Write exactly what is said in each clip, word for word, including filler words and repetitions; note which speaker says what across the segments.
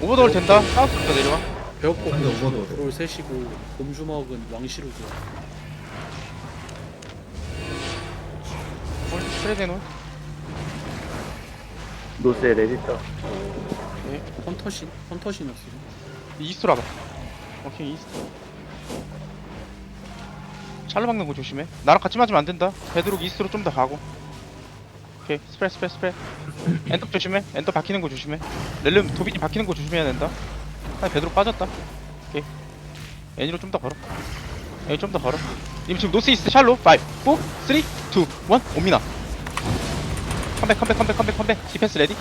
Speaker 1: 오버돌 된다. 사우스부터 내려와.
Speaker 2: 배웠고
Speaker 3: 한대 오버도.
Speaker 2: 롤 셋이고 곰주먹은 왕시루고.
Speaker 1: 홀 스프레드 해놓은.
Speaker 4: 노스에 레디터.
Speaker 2: 네. 헌터신 헌터신이었어.
Speaker 1: 이스트로 와봐. 오케이 이스트. 샬로 박는 거 조심해. 나랑 같이 맞으면 안 된다. 베드록 이스트로 좀 더 가고. 오케이 스프레 스프레 스프레. 엔터 조심해. 엔터 박히는 거 조심해. 렐름 도빈이 박히는 거 조심해야 된다. 아 베드록 빠졌다. 오케이. 애니로 좀 더 걸어. 애니 좀 더 걸어. 님 지금 노스 이스트 샬로. 오, 사, 이, 일. 옵니다. 컴백 컴백 컴백 컴백 컴백. 디펜스 레디.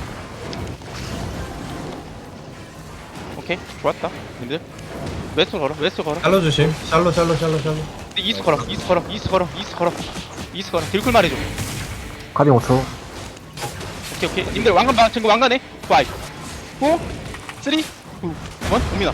Speaker 1: 오케이 좋았다. 님들 웨스트 걸어 웨스트 걸어.
Speaker 3: 샬로 조심. 샬로 샬로 샬로 샬로.
Speaker 1: 이스 걸어 이스 걸어 이스 걸어 이스 걸어 이스 걸어 딜쿨 말해줘.
Speaker 4: 카빙 오 초.
Speaker 1: 오케이 오케이 님들 왕관 봐 친구 왕관해. 오, 사, 삼, 이, 일. 옵니다.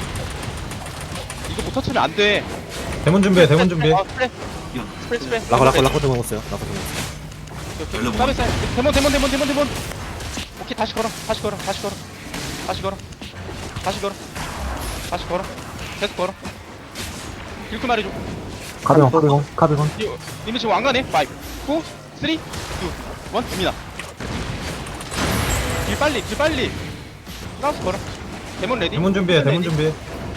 Speaker 1: 이거 못 터치면 안돼.
Speaker 3: 대문 준비해. 대문 준비해.
Speaker 1: 어, 스프레 스프레 스프레.
Speaker 5: 라커 라커 라커 좀 먹었어요. 라커 좀 먹었어요.
Speaker 1: 오케이 오케이 사베 사베 데몬 데몬 데몬 데몬 데몬. 오케이 다시 걸어 다시 걸어 다시 걸어 다시 걸어 다시 걸어 다시 걸어 계속 걸어. 딜쿨 말해줘.
Speaker 4: 카빙 카빙 카빙.
Speaker 1: 님들 지금 왕관해. 오, 사, 삼, 이, 일. 옵니다. 딜 빨리 딜 빨리. 사우스 걸어. 데몬 레디.
Speaker 3: 대문 준비해. 대문 준비해.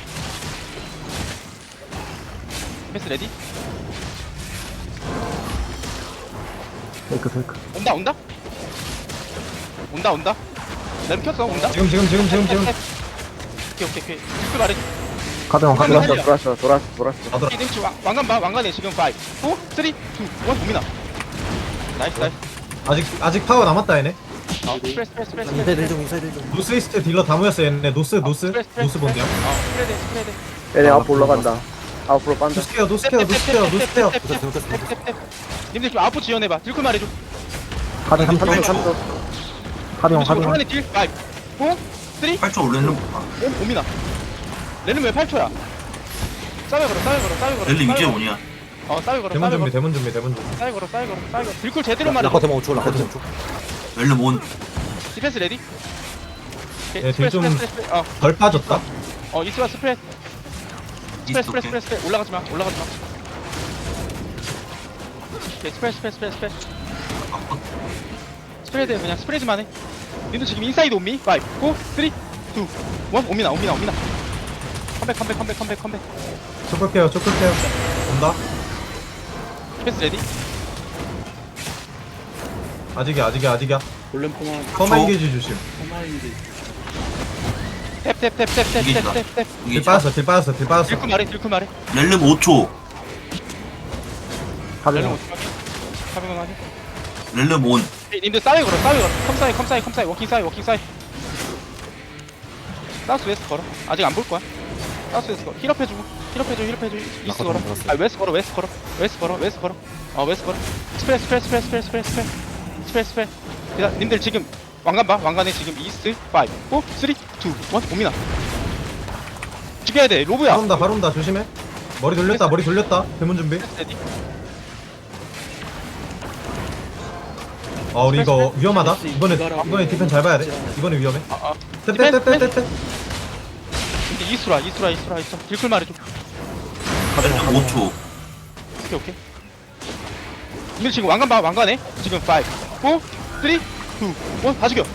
Speaker 1: 패스 레디.
Speaker 4: 페이크 페이크.
Speaker 1: 온다 온다. 온다 온다. 램 켰어 온다.
Speaker 3: 지금 지금 지금 지금 지금.
Speaker 1: 오케이 오케이 오케이. 딜쿨 말해줘.
Speaker 4: 카빙 카빙.
Speaker 1: 돌았어,
Speaker 4: 돌았어 돌았어 돌았어.
Speaker 3: 가더라.
Speaker 1: 님들 지금 왕- 왕관 봐 왕관해 지금 오, 사, 삼, 이, 일. 옵니다. 나이스 나이스.
Speaker 3: 아직 아직 파워 남았다 얘네.
Speaker 1: 어 스프레스 스프레스 스프레스.
Speaker 5: 인사이드 좀 인사이드 좀.
Speaker 3: 노스 이스트 딜러 다 모였어 얘네. 노스 노스 노스 본대요.
Speaker 1: 어 스프레드 스프레드.
Speaker 4: 얘네 앞으로 올라간다. 앞으로 빤다.
Speaker 3: 노스 케어 노스 케어 노스 케어 노스 케어.
Speaker 1: 님들 지금 아웃 지원해봐. 딜쿨 말해줘.
Speaker 4: 카빙 삼 초 삼 초. 카빙
Speaker 1: 지금
Speaker 4: 카빙.
Speaker 1: 화면에 딜 오, 사, 삼,
Speaker 6: 팔 초 올리는 거
Speaker 1: 오, 옵니다. 렐름 왜 팔 초야? 싸게 걸어 싸게 걸어 싸게 걸어.
Speaker 6: 렐리
Speaker 1: 싸게
Speaker 6: 이제
Speaker 1: 걸어.
Speaker 6: 뭐냐?
Speaker 1: 어 싸게 걸어
Speaker 3: 대문
Speaker 1: 싸게
Speaker 3: 준비
Speaker 1: 걸어
Speaker 3: 대문 준비 대문 준비.
Speaker 1: 싸게 걸어 싸게 걸어 싸게 걸어. 딜쿨 제대로 말해줘.
Speaker 5: 라커 대만 오 초. 라커 대만 오 초.
Speaker 6: 렐리 온
Speaker 1: 디펜스 레디. 오케이,
Speaker 3: 예,
Speaker 1: 스프레스,
Speaker 3: 딜 좀-
Speaker 1: 스프레스, 스프레스. 어,
Speaker 3: 덜 빠졌다.
Speaker 1: 어 이스와 스프레스. 스프레스
Speaker 6: 이스트
Speaker 1: 스프레스
Speaker 6: 오케이.
Speaker 1: 스프레스 올라가지 마 올라가지 마. 오케이 스프레스 스프레스 스프레스 스프레스. 스프레드 그냥 스프레드만 해. 님도 지금 인사이드 온미. 오, 사, 삼, 이, 일. 옵니다 옵니다 옵니다. 컴백 컴백 컴백 컴백 컴백.
Speaker 3: 초크 케어 초크 케어. 온다.
Speaker 1: 디펜스 레디.
Speaker 3: 아직이야 아직이야 아직이야.
Speaker 2: 골렘 포만
Speaker 3: 커맨 게이지 조심.
Speaker 2: 포마인데.
Speaker 1: 탭탭탭탭탭탭탭탭.
Speaker 6: 이게
Speaker 3: 딜 빠졌어 딜 빠졌어 딜 빠졌어.
Speaker 1: 딜크 말해 딜크 말해.
Speaker 6: 렐리 오 초
Speaker 4: 카빙.
Speaker 1: 카빙은 하지.
Speaker 6: 렐리 온
Speaker 1: 님들 싸이 걸어 싸이 걸어. 컴사이 컴사이 컴사이 워킹 사이 워킹 사이. 사우스 웨스트 걸어. 아직 안 볼 거야. 사우스 웨스트 걸어. 힐업 해주고 힐업 해줘 힐업 해줘. 이스트 걸어. 아 웨스트 걸어 웨스트 걸어 웨스트 걸어 웨스트 걸어. 어 웨스트 걸어. 스프레스 스프레스 스프레스 스프레스 스프레스 스프레스 스프레스 스프레스. 그다음 님들 지금 왕관 봐 왕관에 지금 이스트 오, 사, 삼, 이, 일. 옵니다. 죽여야 돼 로브야.
Speaker 3: 바로 온다 바로 온다 조심해. 머리 돌렸다 머리 돌렸다. 대문 준비.
Speaker 1: 레디.
Speaker 3: 아 우리 이거 위험하다. 이번에 이번에 디펜 잘 봐야 돼. 이번에 위험해.
Speaker 1: 아 아.
Speaker 3: 떼떼떼떼떼.
Speaker 1: 근데 이스라 이스라 이스라 이스라. 딜쿨 말해줘.
Speaker 6: 렐리 오 초
Speaker 1: 오케이 오케이. 근데 지금 왕관 봐 왕관해 지금 오, 사, 삼, 이, 일. 다 죽여.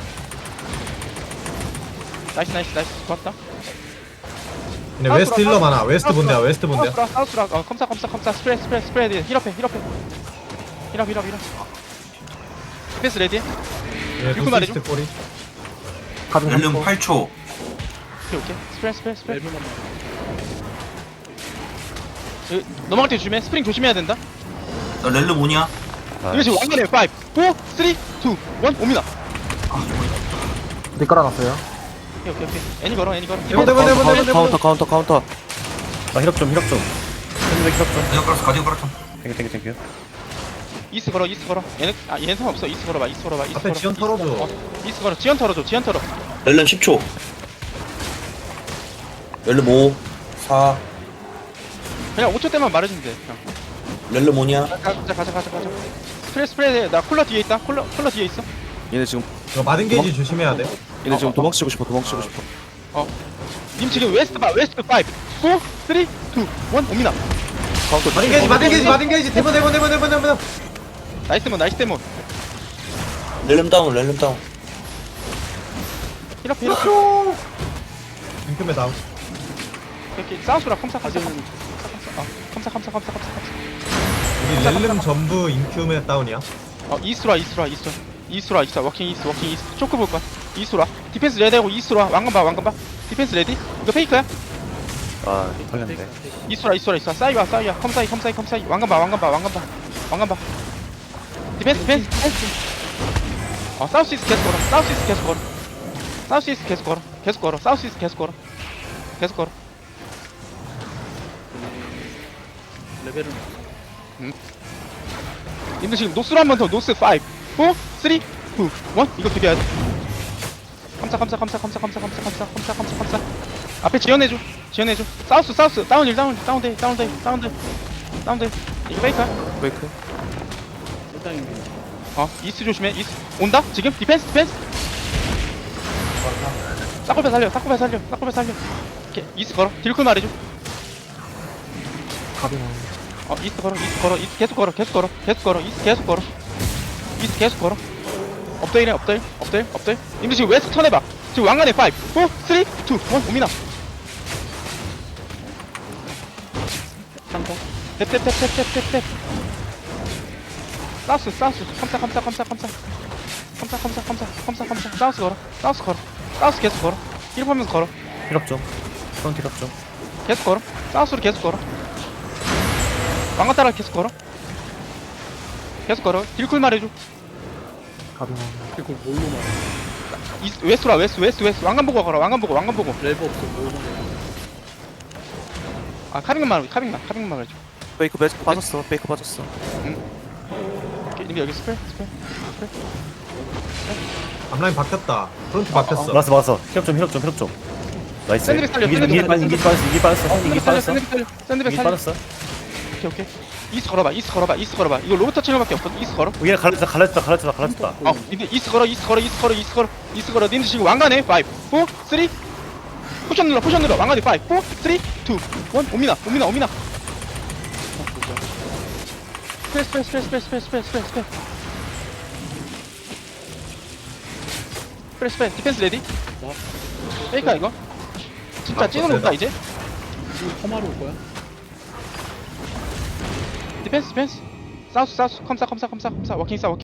Speaker 1: 나이스 나이스 나이스 좋았다.
Speaker 3: 근데 웨스트 힐러 많아. 웨스트 본대야 웨스트 본대야.
Speaker 1: 사우스라 사우스라 어 컴사 컴사 컴사 스프레드 스프레드 스프레드 힐업해 힐업해 힐업 힐업 힐업. 디펜스 레디.
Speaker 3: 예,
Speaker 1: 딜크
Speaker 3: 노스
Speaker 1: 말해줘.
Speaker 3: 이스트 꼬리.
Speaker 4: 카빙 삼
Speaker 6: 렐리
Speaker 4: 초.
Speaker 6: 팔 초
Speaker 1: 오케이 오케이 스프레드 스프레드 스프레드.
Speaker 2: 렐비만.
Speaker 1: 그, 넘어갈 때 조심해. 스프링 조심해야 된다.
Speaker 6: 나 렐리 온이야?
Speaker 1: 이거 지금 왕관해 오, 사, 삼, 이, 일. 옵니다.
Speaker 4: 딜 깔아놨어요.
Speaker 1: 오케이 오케이 오케이. 애니 걸어 애니 걸어.
Speaker 3: 대문 대문 대문 대문 대문.
Speaker 5: 카운터 카운터 카운터. 나 힐업 좀 힐업 좀. 힐업 힐업 좀.
Speaker 6: 가디오 깔았어 가디오 깔았어
Speaker 5: 땡큐 땡큐 땡큐.
Speaker 1: 이스 걸어 이스 걸어. 얘는 아 얘는 상관없어. 이스 걸어봐 이스 걸어봐 이스
Speaker 3: 앞에
Speaker 1: 걸어.
Speaker 3: 지연 털어줘.
Speaker 1: 어, 이스 걸어 지연 털어줘 지연 털어.
Speaker 7: 렐름 십 초. 렐름 오, 사,
Speaker 1: 그냥 오 초 때만 말해주면 돼. 그냥.
Speaker 7: 렐름 오냐?
Speaker 1: 가자 가자 가자 가자 가자. 스프레드 스프레드 나 쿨러 뒤에 있다. 쿨러 쿨러 뒤에 있어.
Speaker 5: 얘네 지금
Speaker 3: 이거 마든 게이지 조심해야 돼.
Speaker 5: 얘네 지금 도망치고 싶어 도망치고 싶어.
Speaker 1: 님 지금 웨스트 봐 웨스트 오, 사, 삼, 이, 일 옵니다.
Speaker 3: 마딘 게이지 마딘 게이지 마딘 게이지 대본 대본 대본 대본 대본.
Speaker 1: 나이스 몬 나이스 데몬.
Speaker 7: 렐름 다운 렐름 다운.
Speaker 1: 힐업 힐업.
Speaker 3: 링크맨 다운.
Speaker 1: 이렇게 사우스라 컴사 컴사
Speaker 2: 가드는
Speaker 1: 컴사 어 컴사 컴사 컴사 컴사 컴사.
Speaker 3: 우리 렐름 전부 인큐맨 다운이야.
Speaker 1: 어 이스트라 이스트라 이스트 이스트라 이스트 워킹 이스트 워킹 이스트 초크 볼 거야. 이스트라 디펜스 레디하고 이스트라 왕관 봐 왕관 봐. 디펜스 레디. 이거 페이크야?
Speaker 5: 아 털렸네.
Speaker 1: 이스트라 이스트라 이스트라 사이와 사이와 컴사이 컴사이 컴사이 왕관 봐 왕관 봐 왕관 봐 왕관 봐. 디펜스 디펜스 디펜스. 어 사우스 이스트 계속 걸어 사우스 이스트 계속 걸어 사우스 이스트 계속 걸어 계속 걸어 사우스 이스트 계속 걸어 계속 걸어.
Speaker 2: 레벨은
Speaker 1: 님들 지금 노스로 한 번 더 노스 오, 사, 삼, 이, 일 이거 비벼야 돼. 컴사 컴사 컴사 컴사 컴사 컴사 컴사 컴사 컴사 컴사 앞에 지원해줘 지원해줘. 사우스 사우스 다운 일 다운 다운돼 다운돼 다운돼 다운돼. 이거 페이크야?
Speaker 5: 브레이크.
Speaker 2: 일당인데
Speaker 1: 어 이스트 조심해. 이스트 온다 지금 디펜스 디펜스. 싹골배 살려 싹골배 살려 싹골배 살려. 오케이 이스트 걸어 딜쿨 말해줘.
Speaker 4: 가빙.
Speaker 1: 어 이스트 걸어 이스트 걸어 이스트 계속 걸어 계속 걸어 계속 걸어 이스트 계속 걸어 이스트 계속 걸어. 업데일해 업데일 업데일 업데일. 님들 지금 웨스트 턴해봐. 지금 왕관에 오, 사, 삼, 이, 일 옵니다.
Speaker 2: 상터
Speaker 1: 탭탭탭탭탭탭. 사우스 사우스 컴사 컴사 컴사 컴사 컴사 컴사 컴사 컴사 컴사 사우스 걸어 사우스 걸어 사우스 계속 걸어 힐업하면서 걸어
Speaker 5: 힐업 좀. 프론트 힐업 좀.
Speaker 1: 계속 걸어 사우스로 계속 걸어 왕관 따라 계속 걸어 계속 걸어 딜쿨 말해줘.
Speaker 4: 가빙.
Speaker 2: 그리고 뭘로 말해?
Speaker 1: 이스트 웨스트라 웨스트 웨스트 웨스트 왕관 보고 걸어 왕관 보고 왕관 보고.
Speaker 2: 렐버 없어 뭘로 말해?
Speaker 1: 아 카빙만 말해 카빙만 카빙만 말해줘.
Speaker 5: 베이크 베이크 빠졌어. 베이크 빠졌어.
Speaker 1: 오케이, 님들 여기 스펠 스펠 스펠.
Speaker 3: 앞라인 바뀌었다. 프론트
Speaker 1: 어,
Speaker 3: 바뀌었어.
Speaker 5: 맞았어 맞았어. 힐업 좀 힐업 좀 힐업 좀. 나이스.
Speaker 1: 샌드백 살려,
Speaker 5: 이기
Speaker 1: 샌드백
Speaker 5: 이기 빠졌어 이기 빠졌어 이기 빠졌어 이기
Speaker 1: 샌드백 살려
Speaker 5: 빠졌어.
Speaker 1: 샌드백 살려 샌드백
Speaker 5: 이기
Speaker 1: 살려.
Speaker 5: 빠졌어.
Speaker 1: 오케이 오케이. 이스트 걸어봐 이스트 걸어봐 이스트 걸어봐. 이거 로봇 터치력밖에 없거든. 이스트 걸어.
Speaker 5: 얘 갈라졌다 갈라졌다 갈라졌다 갈라졌다.
Speaker 1: 어, 니들 이스트 걸어, 이스트 걸어, 이스트 걸어, 이스트 걸어, 이스트 걸어. 니들 지금 왕관에 오, 사, 삼, 포션 눌러, 포션 눌러. 왕관에 오, 사, 삼, 이, 일 옵니다, 옵니다, 옵니다. 스페이스, 스페이스, 스페이스, 스페이스, 스페이스, 스페이스, 스페이스, 스페이스. 스페이스, 스페이스, 디펜스 레디. 페이크야 이거. 진짜 찐으로 온다 이제.
Speaker 2: 지금 험하러 올 거야?
Speaker 1: 디펜스, 디펜스. 사우스, 사우스, 컴사, 컴사, 컴사, 컴사. 워킹, 사, 워킹.